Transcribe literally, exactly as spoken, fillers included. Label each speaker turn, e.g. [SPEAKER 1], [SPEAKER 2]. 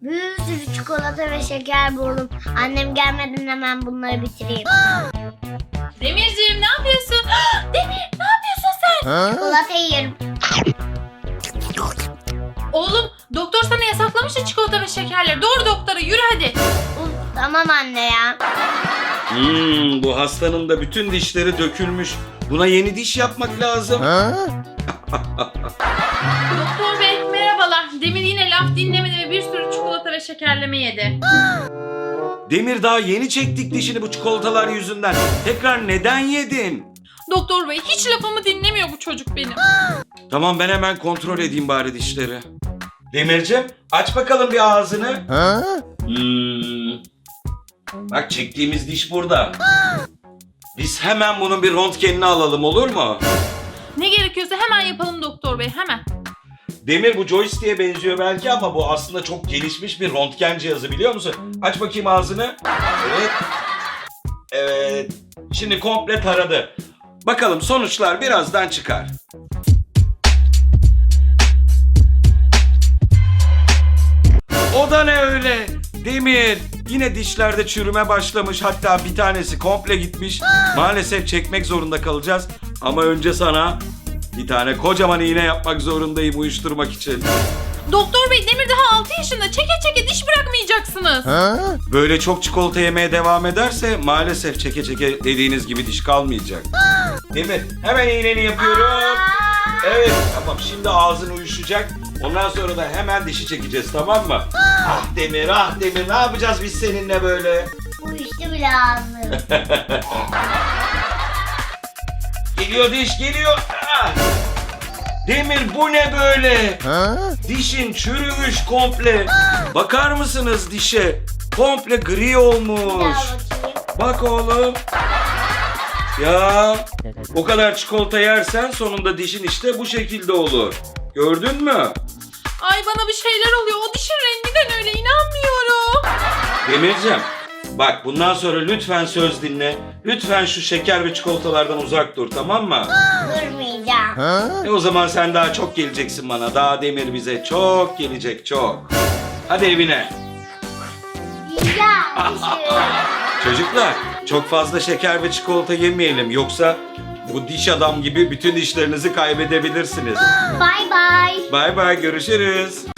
[SPEAKER 1] Bir sürü çikolata ve şeker buldum. Annem gelmeden hemen bunları bitireyim.
[SPEAKER 2] Demirciğim ne yapıyorsun? Demir ne yapıyorsun sen?
[SPEAKER 1] Çikolata yiyorum.
[SPEAKER 2] Oğlum doktor sana yasaklamıştı çikolata ve şekerleri. Doğru doktora yürü hadi.
[SPEAKER 1] Uf, tamam anne ya.
[SPEAKER 3] Hmm, bu hastanın da bütün dişleri dökülmüş. Buna yeni diş yapmak lazım.
[SPEAKER 2] Doktor bey merhabalar. Demir yine laf dinlemedi ve bir sürü çikolata ve şekerleme yedi.
[SPEAKER 3] Demir daha yeni çektik dişini bu çikolatalar yüzünden. Tekrar neden yedin?
[SPEAKER 2] Doktor bey hiç lafımı dinlemiyor bu çocuk benim.
[SPEAKER 3] Tamam ben hemen kontrol edeyim bari dişleri. Demircim aç bakalım bir ağzını. Hmm. Bak çektiğimiz diş burada. Biz hemen bunun bir röntgenini alalım olur mu?
[SPEAKER 2] Ne gerekiyorsa hemen yapalım doktor bey hemen.
[SPEAKER 3] Demir bu joystick'e benziyor belki ama bu aslında çok gelişmiş bir röntgen cihazı biliyor musun? Aç bakayım ağzını. Evet. Evet. Şimdi komple taradı. Bakalım sonuçlar birazdan çıkar. O da ne öyle? Demir, yine dişlerde çürüme başlamış. Hatta bir tanesi komple gitmiş. Maalesef çekmek zorunda kalacağız. Ama önce sana bir tane kocaman iğne yapmak zorundayım uyuşturmak için.
[SPEAKER 2] Doktor bey Demir daha altı yaşında. Çeke çeke diş bırakmayacaksınız.
[SPEAKER 3] Böyle çok çikolata yemeye devam ederse maalesef çeke çeke dediğiniz gibi diş kalmayacak. Demir, hemen iğneni yapıyorum. Evet, tamam şimdi ağzın uyuşacak. Ondan sonra da hemen dişi çekeceğiz tamam mı? Ah Demir, ah Demir ne yapacağız biz seninle böyle?
[SPEAKER 1] Uyuştu bile ağzım.
[SPEAKER 3] Geliyor diş geliyor. Ah! Demir bu ne böyle? Dişin çürümüş komple. Bakar mısınız dişe? Komple gri
[SPEAKER 1] Bir
[SPEAKER 3] olmuş.
[SPEAKER 1] daha bakayım.
[SPEAKER 3] Bak oğlum. Ya o kadar çikolata yersen sonunda dişin işte bu şekilde olur. Gördün mü?
[SPEAKER 2] Ay bana bir şeyler oluyor. O dişin renginden öyle inanmıyorum.
[SPEAKER 3] Demircim bak bundan sonra lütfen söz dinle. Lütfen şu şeker ve çikolatalardan uzak dur tamam mı?
[SPEAKER 1] Durmayacağım.
[SPEAKER 3] E o zaman sen daha çok geleceksin bana. Daha Demir bize çok gelecek çok. Hadi evine.
[SPEAKER 1] Yiyeceğim dişimi.
[SPEAKER 3] Çocuklar çok fazla şeker ve çikolata yemeyelim. Yoksa bu diş adam gibi bütün dişlerinizi kaybedebilirsiniz.
[SPEAKER 1] Bye bye.
[SPEAKER 3] Bay bay görüşürüz.